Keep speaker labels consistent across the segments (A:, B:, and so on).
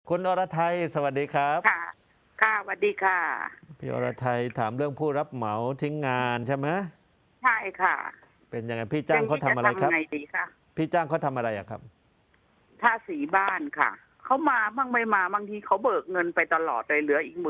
A: คุณอรไทยสวัสดีครับ
B: ค่ะค่ะสวัสดีค่ะ
A: พี่อรไทยถามเรื่องผู้รับเหมาทิ้งงานใช่ไหม
B: ใช่ค่ะ
A: เป็นยังไงพี่
B: อย่าง
A: จ้างเขา
B: นี้จะทำ
A: ทำอะไรครับ
B: ไงดีคะ
A: พี่จ้างเขาทำอะไรอะครับ
B: ทาสีบ้านค่ะ เขามาบ้างไม่มาบางทีเขาเบิกเงินไปตลอดเลยเหลืออีก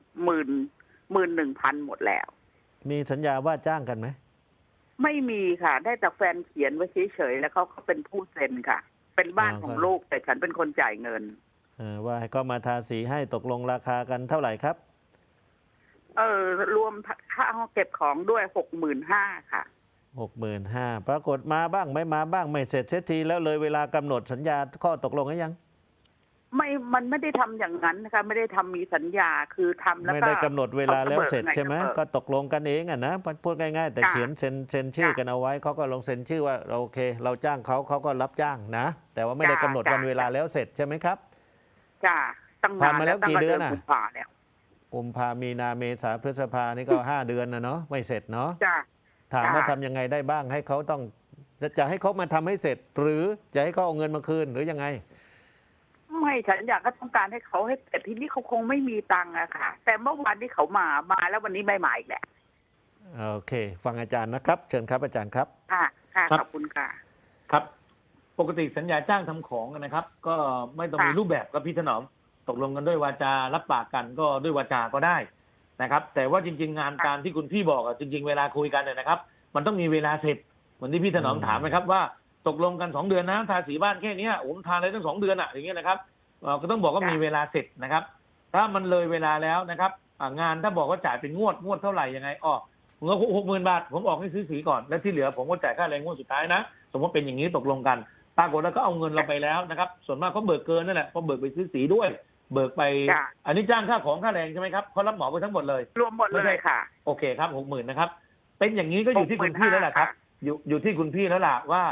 B: 11,000หมดแล้ว
A: มีสัญญาว่าจ้างกันไหม
B: ไม่มีค่ะ ได้แต่แฟนเขียนไว้เฉยๆแล้วเขาเป็นผู้เซ็นค่ะ เป็นบ้านของ
A: ก็
B: ลูกแต่ฉันเป็นคนจ่ายเงิน
A: ว่าให้เขามาทาสีให้ตกลงราคากันเท่าไหร่ครับ
B: เออรวมค่าห้องเก็บของด้วย65,000ค่ะ
A: 65,000ปรากฏมาบ้างไม่มาบ้างไม่เสร็จเสียทีแล้วเลยเวลากำหนดสัญญาข้อตกลงหรือยัง
B: ไม่มันไม่ได้ทำอย่างนั้นนะคะไม่ได้ทำมีสัญญาคือทำแล้ว
A: ไม่
B: ก็
A: ได้กำหนดเวลาแล้วเสร็จใช่ไหม
B: ก็
A: ก็ตกลงกันเองอะนะพูดง่ายๆแต่
B: ค่ะ
A: เขียนเซ็นชื่อ
B: ค่ะ
A: กันเอาไว้เขาก็ลงเซ็นชื่อว่าโอเคเราจ้างเขาเขาก็รับจ้างนะแต่ว่าไม่ได้กำหนดวันเวลาแล้วเสร็จใช่ไหมครับ
B: จ้าตั้ง
A: ผ่าน
B: นาน
A: มาแล้วกี่
B: แล้วตั้งแต่
A: เดือนน่ะ
B: เดือนกุมภาแล้ว
A: กุมภามีนาเมษาพฤษภานี่ก็5 เดือนนะเนาะไม่เสร็จเนาะ
B: จ้า
A: ถาม
B: จ้า
A: ว่าทำยังไงได้บ้างให้เขาต้องจะให้เขามาทำให้เสร็จ หรือจะให้เขาเอาเงินมาคืนหรือยังไง
B: ไม่ฉันอยากก็ต้องการให้เขาให้แต่ทีนี้เขาคงไม่มีตังค์อะค่ะ แต่เมื่อวานที่เขามาแล้ววันนี้ไม่มาอีกแหละ
A: โอเคฟังอาจารย์นะครับเชิญครับอาจารย์ครับ
B: ค่ะค่ะ
C: ครับ
B: ขอบคุณค่ะ
C: ครับปกติสัญญาจ้างทำของนะครับ ก็ไม่ต้องมีรูปแบบครับพี่ถนอมตกลงกันด้วยวาจารับปากกันก็ด้วยวาจาก็ได้นะครับ แต่ว่าจริง ๆ งานการที่คุณพี่บอกอะจริง ๆเวลาคุยกันเนี่ยนะครับ มันต้องมีเวลาเสร็จเหมือนที่พี่ถนอมถามนะครับว่าตกลงกัน2 เดือนนะทาสีบ้านแค่เนี้ยผมทาเลยตั้ง2 เดือนอะอย่างเงี้ยนะครับก็ต้องบอกว่ามีเวลาเสร็จนะครับ ถ้ามันเลยเวลาแล้วนะครับงานถ้าบอกว่าจ่ายเป็นงวดเท่าไหร่ยังไงผมก็60,000 บาทผมออกให้ซื้อสีก่อนแล้วที่เหลือผมก็จ่ายค่าแรงงวดสุดท้ายนะสมมติเป็นอย่างนี้ตกลงกันปรากฏแล้วก็เอาเงินเราไปแล้วนะครับส่วนมากเขาเบิกเกินนั่นแหละเพราะเบิกไปซื้อสีด้วยเบิกไปอันนี้จ้างค่าของค่าแรงใช่ไหมครับเขารับเหมาไปทั้งหมดเลย
B: รวมหมดเลยค่ะ
C: โอเคครับ60,000นะครับเป็นอย่างนี้ก็อยู่ที่คุณพี่แล้วแหละครับอยู่ที่คุณพี่แล้วล่ะว่า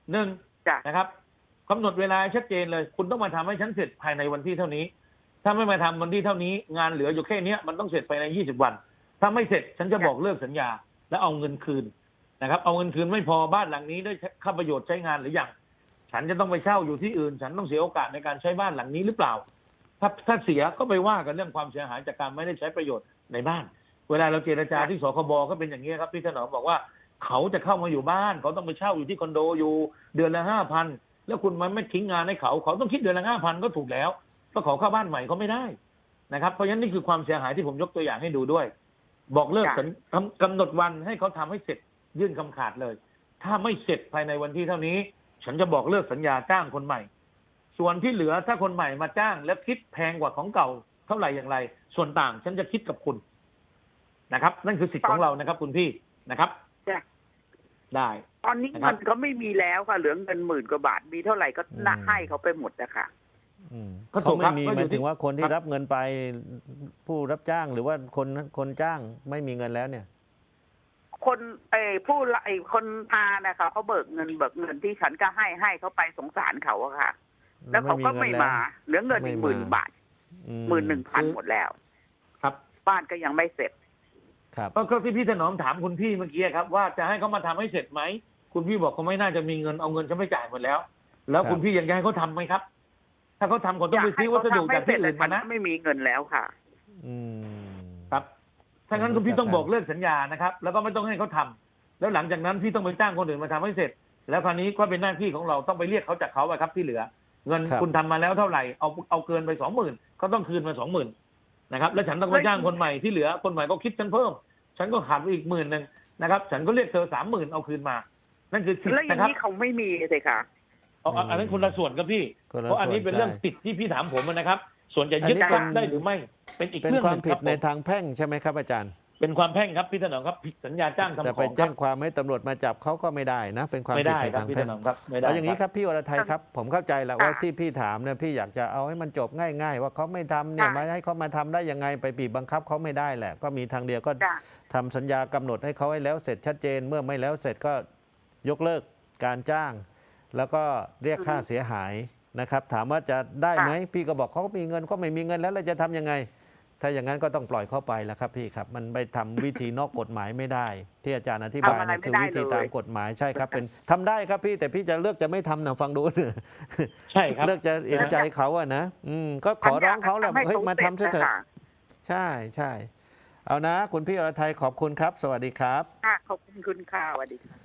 C: 1นะครับกำหนดเวลาชัดเจนเลยคุณต้องมาทำให้ฉันเสร็จภายในวันที่เท่านี้ถ้าไม่มาทำวันที่เท่านี้งานเหลืออยู่แค่นี้มันต้องเสร็จภายใน20 วันถ้าไม่เสร็จฉันจะบอกเลิกสัญญาแล้วเอาเงินคืนนะครับเอาเงินคืนไม่พอบ้านหลังนี้ได้ค่าประโยชน์ใช้งานหรือยังฉันจะต้องไปเช่าอยู่ที่อื่นฉันต้องเสียโอกาสในการใช้บ้านหลังนี้หรือเปล่าถ้าเสียก็ไปว่ากันเรื่องความเสียหายจากการไม่ได้ใช้ประโยชน์ในบ้านเวลาเราเจรจาที่สคบก็เป็นอย่างนี้ครับพี่ถนอมบอกว่าเขาจะเข้ามาอยู่บ้านเขาต้องไปเช่าอยู่ที่คอนโดอยู่เดือนละ5,000แล้วคุณมันไม่ทิ้งงานให้เขาต้องคิดเดือนละ5,000ก็ถูกแล้วก็ขอเข้าบ้านใหม่เขาไม่ได้นะครับเพราะฉะนั้นนี่คือความเสียหายที่ผมยกตัวอย่างให้ดูด้วยบอกเลิกกำหนดวันให้เขาทำให้เสร็จยื่นคำขาดเลยถ้าไม่เสร็จภายในวันที่เท่านี้ฉันจะบอกเลิกสัญญาจ้างคนใหม่ส่วนที่เหลือถ้าคนใหม่มาจ้างแล้วคิดแพงกว่าของเก่าเท่าไหร่อย่างไรส่วนต่างฉันจะคิดกับคุณนะครับนั่นคือสิทธิ์ของเรานะครับคุณพี่นะครับได้
B: ตอนนี้เงินก็ไม่มีแล้วค่ะเหลือเงิน10,000 กว่าบาทมีเท่าไหร่ก็น่าให้เขาไปหมดนะคะ
A: เขาไม่มีหมายถึงว่าคนที่รับเงินไปผู้รับจ้างหรือว่าคนจ้างไม่มีเงินแล้วเนี่ย
B: คนคนพานะคะเขาเบิกเงินที่ฉันก็ให้เขาไปสงสารเขาอะค่ะแล้วเขาก็ไม่มาเหลือเงินอีก10,000 บาท11,000หมดแล้ว
C: ครับ
B: บ้านก็ยังไม่เสร็จ
A: ครับ
C: ก็ที่พี่ถนอมถามคุณพี่เมื่อกี้ครับว่าจะให้เขามาทำให้เสร็จไหมคุณพี่บอกเขาไม่น่าจะมีเงินเอาเงินฉันไม่จ่ายหมดแล้วแล้วคุณพี่ยังจะให้เขาทำไหมครับถ้าเขาทำเขาต้องไปซื้อวัสดุจากที่อื่นมานะ
B: ไม่มีเงินแล้วค่ะ
C: ครับถ้างั้นคุณพี่ต้องบอกเลิกสัญญานะครับแล้วก็ไม่ต้องให้เขาทำแล้วหลังจากนั้นพี่ต้องไปจ้างคนอื่นมาทำให้เสร็จแล้วคราวนี้ก็เป็นหน้าที่ของเราต้องไปเรียกเขาจากเขาครับที่เหลือเงินคุณทำมาแล้วเท่าไหร่เอาเกินไป20,000เขาต้องคืนมา20,000นะครับแล้วฉันต้องไปจ้างคนใหม่ที่เหลือคนใหม่ก็คิดฉันเพิ่มฉันก็ขาดไปอีก10,000นะครับฉันก็เรียกเธอ30,000เอาคืนมานั่นคือสิทธิ์นะครับแล้ว
B: อย่างนี้เขาไม่มีเลยค่ะ
C: อันนั้นคนละส่วนครับพี่เพราะอันนี้เป็นเรื่องสิทธิ์ที่พี่ถามผมนะครับส่วนจะยึดได้หรือไม่เป็นอีกเรื่อง
A: ความผิดในทางแพ่งใช่ไหมครับอาจารย์
C: เป็นความแพ่งครับพี่ถนอมครับผิดสัญญาจ้างทำของ
A: จะไปแจ้งความให้ตำรวจมาจับเขาก็ไม่ได้นะเป็นความผิดในทางแพ่งเอาอย่างนี้ครับพี่วรทัยครับผมเข้าใจแหละว่าที่พี่ถามเนี่ยพี่อยากจะเอาให้มันจบง่ายๆว่าเขาไม่ทำเนี่ยมาให้เขามาทำได้ยังไงไปบีบบังคับเขาไม่ได้แหละก็มีทางเดียวก็ทำสัญญากำหนดให้เขาให้แล้วเสร็จชัดเจนเมื่อไม่แล้วเสร็จก็ยกเลิกการจ้างแล้วก็เรียกค่าเสียหายนะครับถามว่าจะได้ไหมพี่ก็บอกเขามีเงินก็ไม่มีเงินแล้วเราจะทำยังไงถ้าอย่างนั้นก็ต้องปล่อยเข้าไปแล้วครับพี่ครับมันไปทำวิธีนอกกฎหมายไม่ได้ ที่อาจารย์อธิบายนะคือวิธีตามกฎหมายใช่ครับเป็นทำได้ครับพี่แต่พี่จะเลือกจะไม่ทำนะฟังดู
C: ใช่ครับ
A: เลือกจะเห็นใจเขาอะนะก็ขอร้องเขาแหละเฮ้ยมาทำซะเถอะใช่ใช่เอานะคุณพี่อรไทยขอบคุณครับ สวัสดีครับ
B: ค่ะขอบคุณคุณค่ะสวัสดีค่ะ